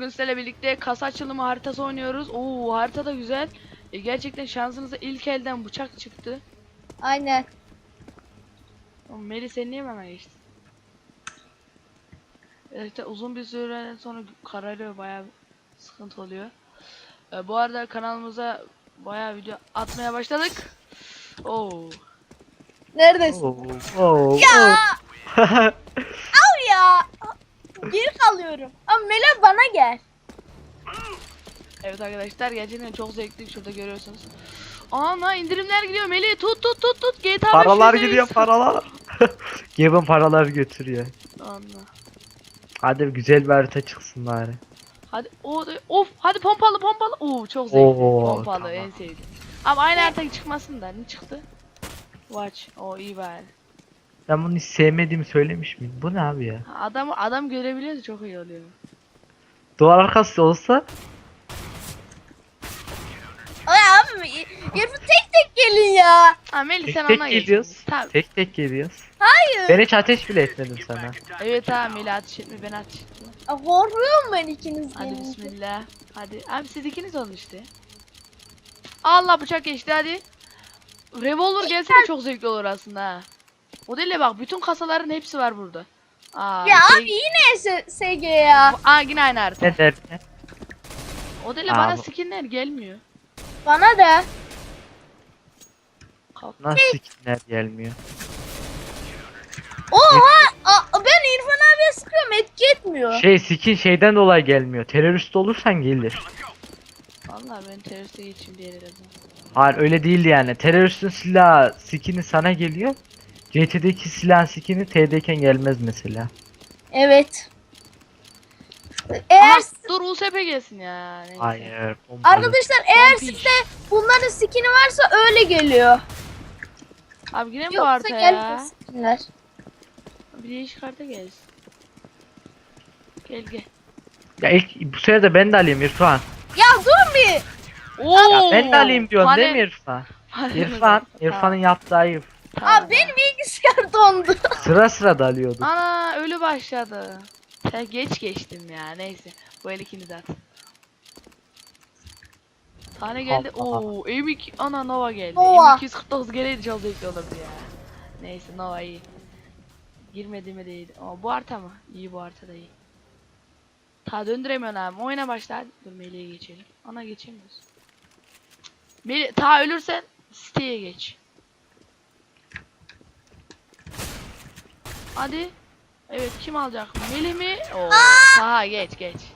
bugün sizlerle birlikte kasa açılımı haritası oynuyoruz. Oo, harita da güzel. Gerçekten şansınıza ilk elden bıçak çıktı. Aynen. Meri sen niye bana geçtin? Evet, uzun bir süreden sonra kararıyor, bayağı sıkıntı oluyor. Bu arada kanalımıza bayağı video atmaya başladık. Oo. Neredesin? Oh. Ya al ya. Geri kalıyorum. Ama Mela bana gel. Evet arkadaşlar, gerçekten çok zevkli, şurada görüyorsunuz. Ana indirimler gidiyor Melih, tut GTA 5 Paralar %100. gidiyor, paralar. Gavin paralar götürüyor. Anla. Hadi güzel bir harita çıksın bari. Hadi of hadi pompalı. Oo çok zevkli. Oo, Pompalı tamam. en sevdiğim. Ama aynı harita çıkmasın da ne çıktı? Watch. O iyi bari. Ben bunu hiç sevmediğimi söylemiş miydim? Bu ne abi ya? Adam görebiliyorsa çok iyi oluyor. Duvar arkası olsa Ay abi yarın tek tek gelin ya. Ha Melih, tek sen tek ona geç. geliyoruz. Tabii. Tek tek geliyoruz. Hayır. Ben hiç ateş bile etmedim sana. Evet ha Melih, ateş etme, ben ateş ettim. Korkuyorum ben ikiniz Hadi gelince. bismillah. Hadi abi, siz ikiniz olun işte. Allah, bıçak geçti hadi. Revolver gelse de çok zevkli olur aslında ha. O değil de bak, bütün kasaların hepsi var burada. Aa, Ya abi yine SG ya. Aa, yine aynı harita. Ne derken? O değil de bana Abi. skinler gelmiyor. Bana da. Nasıl skinler gelmiyor? Oha. Ben İrfan abiye sıkıyorum, etki etmiyor. Skin şeyden dolayı gelmiyor. Terörist olursan gelir. Vallahi ben teröriste geçeyim diye dedim. Hayır öyle değil yani. Teröristin silahı skin'i sana geliyor. CT'deki silah skin'i T'deyken gelmez mesela. Evet. Aha, Eğer dur USP gelsin ya. Neyse. Hayır. pompalı. arkadaşlar eğer Pompiş. sizde bunların skin'i varsa öyle geliyor. Abi yine mi bu Yoksa harita gelmiyor ya? skinler. Bir değişik harita gelsin. Gel. Ya ilk bu sefer de ben de alayım İrfan. Ya dur bir. Oo. Ya ben de alayım diyorsun değil mi Panel- İrfan? panel İrfan, var. İrfan'ın yaptığı ayıp. Tamam. Abi benim bilgisayar dondu. Sıra da alıyorduk. Ana ölü başladı. Ya geç geçtim ya, neyse. Bu el ikiniz at. Tane geldi. Allah. Oo, M2 ana Nova geldi. Nova. M249 geleydi çok zevkli olurdu ya. Neyse, Nova iyi. Girmedi mi değil. Ama bu harita mı? İyi, bu harita da iyi. Ta döndüremiyorsun abi. Oyuna başla hadi. Dur Melih'e geçelim. Ana geçemiyoruz. Melih ta ölürsen siteye geç. Hadi. Evet, kim alacak? Melih mi? Oo, ta geç.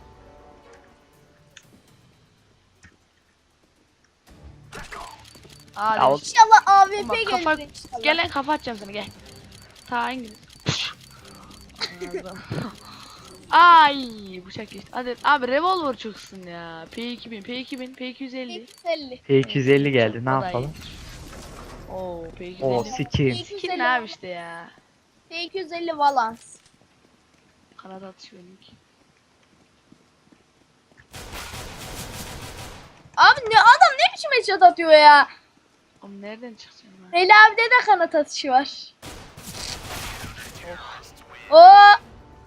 Hadi. Ya o- İnşallah AWP Bak, kafa, gelir inşallah. gel lan, kafa atacağım sana, gel. Ta İngiliz. Ay, bıçak geçti. Hadi abi, revolver çıksın ya. P250. 250. P250 geldi, ne O da yapalım? iyi. Oo, P250. O skin. Skin ne abi işte ya. 250 balans. Kanat atışı benimki. Abi ne adam ne biçim headshot atıyor ya. Oğlum nereden çıkacağım ben? Veli abide de kanat atışı var. Oh. Oo.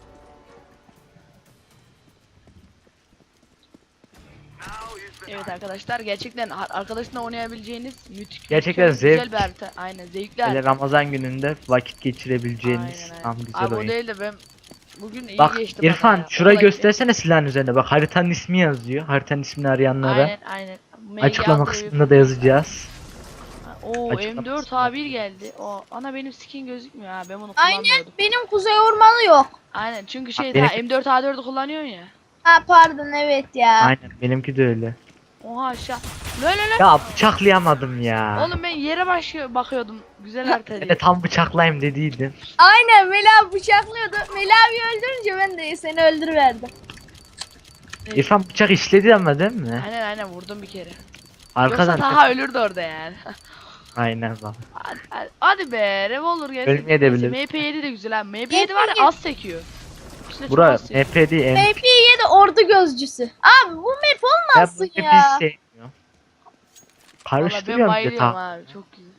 Evet arkadaşlar, gerçekten arkadaşınla oynayabileceğiniz Gerçekten güzel zevk. bir harita. Aynen, zevkli Böyle harita. Ramazan gününde vakit geçirebileceğiniz Aynen. tam güzel Abi o oyun. değil de ben bugün iyi Bak geçti bana İrfan ya. şurayı Okula göstersene silahın üzerinde. Bak haritanın ismi yazıyor. Haritanın ismini gittim. arayanlara Aynen. açıklama kısmında da yazacağız. Oo, Açıklama M4 kısmında. A1 geldi. O ana, benim skin gözükmüyor ha. Ben bunu Aynen kullanmıyordum. benim kuzey ormanı yok. Aynen, çünkü şey benim- daha M4 A4'ü kullanıyorsun ya. Ha pardon evet ya. Aynen benimki de öyle. Oha aşağı. Lan. Ya bıçaklayamadım ya. Oğlum ben yere bakıyordum. Güzel harita Ben diye. de tam bıçaklayayım dediydim. Aynen Veli abi bıçaklıyordu. Veli abi öldürünce ben de seni öldürüverdim. İrfan bıçak işledi ama değil mi? Aynen vurdum bir kere. Arkadan. Yoksa Taha ölürdü orada yani. Aynen bak. Hadi be, revolver gelsin. Ölmeyebilir. Neyse, MP7 de güzel ha. MP7 var ya, MP7 az sekiyor. İçine çok Bura az sekiyor. MP değil MP. MP7 ordu gözcüsü. Abi bu map Ya olmazsın bu ya. biz sevmiyorum. Valla ben Karıştırıyorum bir de bayılıyorum tam. abi, çok güzel.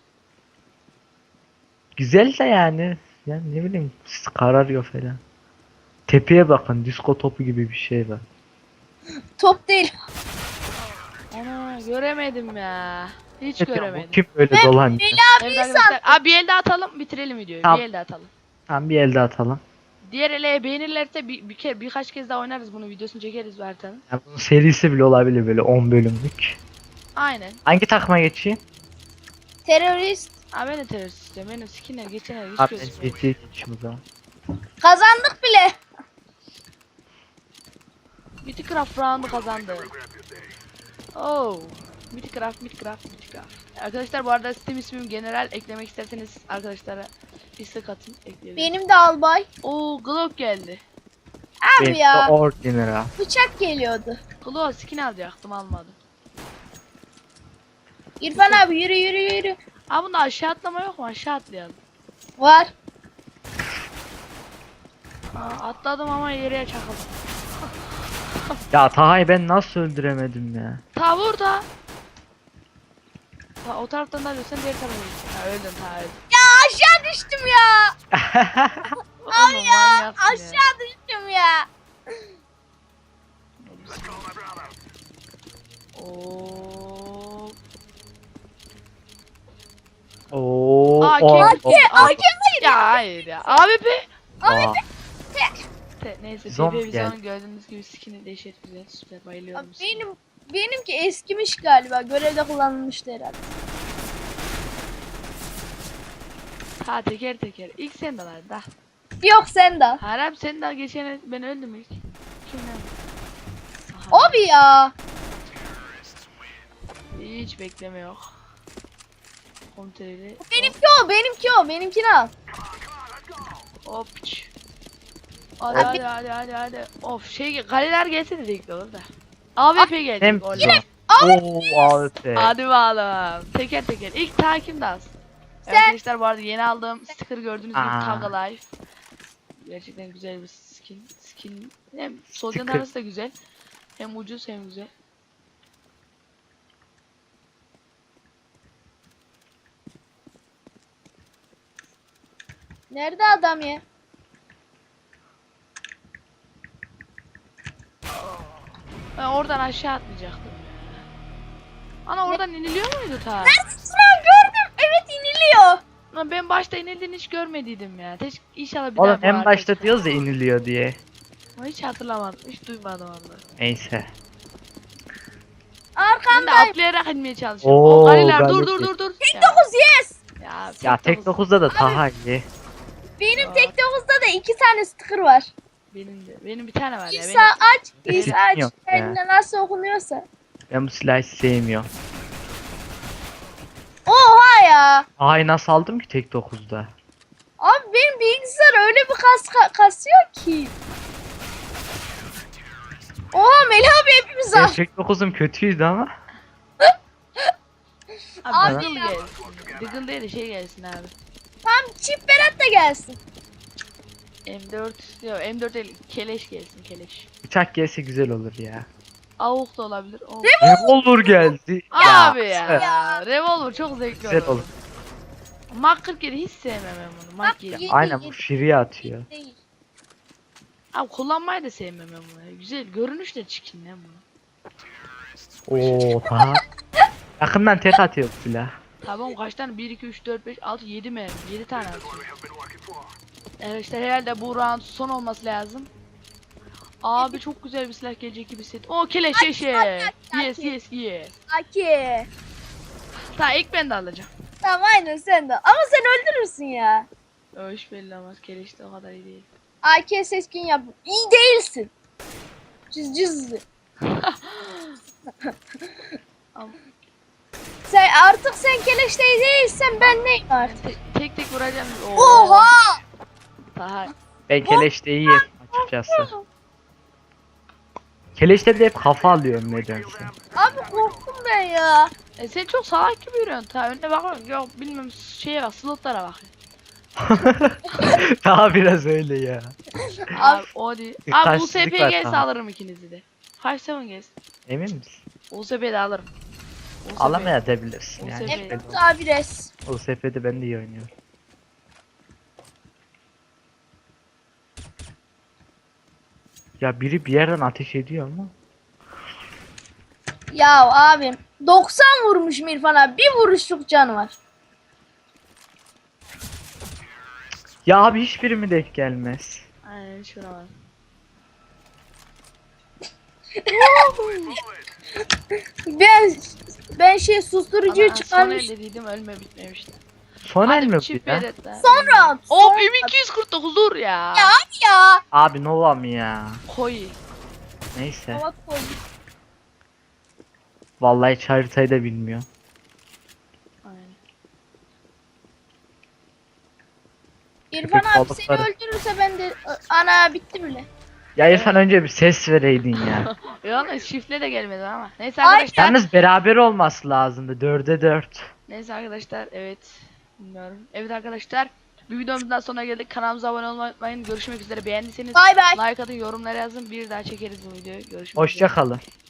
Güzel de yani. Yani ne bileyim kararıyor falan. Tepeye bakın, disko topu gibi bir şey var. Top değil. Ana göremedim ya. Hiç Evet ya, bu göremedim. kim böyle Ben dolanıyor? Melih Evet abiyi arkadaşlar. Abi bir elde atalım bitirelim videoyu. Tamam. Bir elde atalım. Tamam, bir elde atalım. Diğer ele beğenirlerse birkaç kez daha oynarız bunu videosunu çekeriz bu haritanın. Yani bunun serisi bile olabilir, böyle 10 bölümlük. Aynen. Hangi takıma geçeyim? terörist. Aa ben de terörist istiyorum. Benim skinler geçen el hiç Abi ben gözükmüyor. GT'ye geçeyim o zaman. Kazandık bile. Mythicraft round'u kazandı. Oh. Mythicraft. Arkadaşlar bu arada Steam ismim general, eklemek isterseniz arkadaşlara istek atın, ekleyelim. Benim de albay. Oo Glock geldi. Abi Benim de ya. Ordinary. Bıçak geliyordu. Glock skin alacaktım almadım. İrfan abi yürü yürü yürü. Aa bunda aşağı atlama yok mu? Aşağı atlayalım. Var. Aa, atladım ama yere çakıldım. Ya Taha'yı ben nasıl öldüremedim ya? Ta burada. Ta o taraftan da alıyorsan diğer tarafa git. Ha öldün ta öldün. Ya aşağı düştüm ya. Abi ya Aşağı düştüm ya. Oo. Oo, Aa, o- AK, o- AK Ya hayır ya. AWP. Aa, Neyse Zombi PP geldi. Vision gördüğünüz gibi skin'i dehşet güzel, süper, bayılıyorum. Abi skin'e. benimki eskimiş galiba. Görevde kullanılmıştı herhalde. Ha teker teker. İlk sen de var da. Yok sen de. Harap sen daha geçen ben öldüm ilk. Kimden? Aha, Abi ya. hiç bekleme yok. Kontrolü. Benimki o, benimki o. Benimkini al. Hop. Hadi Abi- hadi. Of kaleler gelse de zevkli olur da. AWP gelecek. Hem oley. Oo, AWP. Hadi bakalım. Teker teker. İlk takip de az. Sen- Arkadaşlar bu arada yeni aldığım sticker gördüğünüz gibi Aa. Tag Life. Gerçekten güzel bir skin. Hem Soldier Sticker. arası da güzel. Hem ucuz hem güzel. Nerede adam ya? Ben oradan aşağı atlayacaktım. Ana oradan iniliyor muydu ta? Neredesin lan? Gördüm. Evet iniliyor. Lan ben başta inildiğini hiç görmediydim ya. İnşallah bir daha Oğlum bu en harita başta çıkar. diyoruz ya iniliyor diye. Ama hiç hatırlamadım. Hiç duymadım onu. Neyse. Ben de Arkamdayım. atlayarak inmeye çalışıyorum. Oo, O galiler dur galiba. dur. Tek Ya, 9 yes. Ya tek 9'da da Taha iyi. Benim Aa. tek 9'da da 2 tane sticker var. Benim bir tane var ya. İsa aç. İsa aç. Yok ya. Kendine nasıl okunuyorsa. Ben bu silahı hiç sevmiyorum. Oha ya. Taha'yı nasıl aldım ki tek 9'da? Abi benim bilgisayar öyle bir kasıyor ki. Oha Melih abi hepimiz al. Benim tek 9'um kötüydü ama. Abi Abi Diggle ya. gelsin. Diggle değil de gelsin abi. Tamam çift Berat da gelsin. M4 yok M4 değil keleş gelsin keleş. Bıçak gelse güzel olur ya. Avuk da olabilir. O... Revolver geldi. Abi ya. Ya. Revolver çok zevkli Güzel olur. olur. Mark 47 hiç sevmem ben bunu. Mark 7. Yedi, Aynen bu yedi. şiriye atıyor. Değil. Abi kullanmayı da sevmem ben bunu. Güzel görünüş de çirkin lan bunu. Oo Taha. Yakından tek atıyor bu silah. Tamam kaç tane? 1, 2, 3, 4, 5, 6, 7 mi? 7 tane atıyor. Evet işte herhalde bu round son olması lazım. Abi çok güzel bir silah gelecek gibi hissettim. O keleş yeşil. Yes. Aki. Ta ilk ben de alacağım. Tamam aynen sen de. Ama sen öldürürsün ya. O iş belli olmaz. Keleş de o kadar iyi değil. AK seçkin yap. İyi değilsin. Cüz. Ama Artık sen keleşte değilsen ben neyim ben artık? tek vuracağım. Oo. Oha! Daha Ben keleşte iyiyim açıkçası. Keleşte de hep kafa alıyorum nedense. Abi korktum ben ya. sen çok salak gibi yürüyorsun. Ta önüne bakıyorsun. Yok bilmem şeye bak slotlara bak. Daha biraz öyle ya. Abi o değil. Abi Karşılık USP var, gelse tamam. alırım ikinizi de. Kaç seven gelsin. Emin misin? USP'de alırım. USP. Alamayabilirsin yani. USP. hiç belli Evet olmaz. abi res. O SF'de ben de iyi oynuyorum. Ya biri bir yerden ateş ediyor ama. Ya abim 90 vurmuş İrfan abi. Bir vuruşluk canı var. Ya abi hiçbiri mi denk gelmez? Aynen şuna bak. Ben şey susturucuyu Ana, son çıkarmış. elde değildim, ölme bitmemişti. Son el Hadi mi bir bu çift ya? belirtler. Sonra Hop M249 dur ya. ya ya. Abi Nova mı ya? Koy. Neyse. Hava koy. Vallahi hiç haritayı da bilmiyor. Aynen. İrfan Köpek abi seni balıkları. öldürürse ben de ana bitti bile. Ya İrfan önce bir ses vereydin ya. Yalnız şifle de gelmedi ama. Neyse Ay, arkadaşlar. Yalnız beraber olması lazımdı. 4'e 4. Neyse arkadaşlar, evet. Bilmiyorum. Evet arkadaşlar. Bir videomuzdan sonra geldik. Kanalımıza abone olmayı unutmayın. Görüşmek üzere. Beğendiyseniz Bay bay. like atın, yorumlara yazın. Bir daha çekeriz bu videoyu. Görüşmek üzere. Hoşça kalın.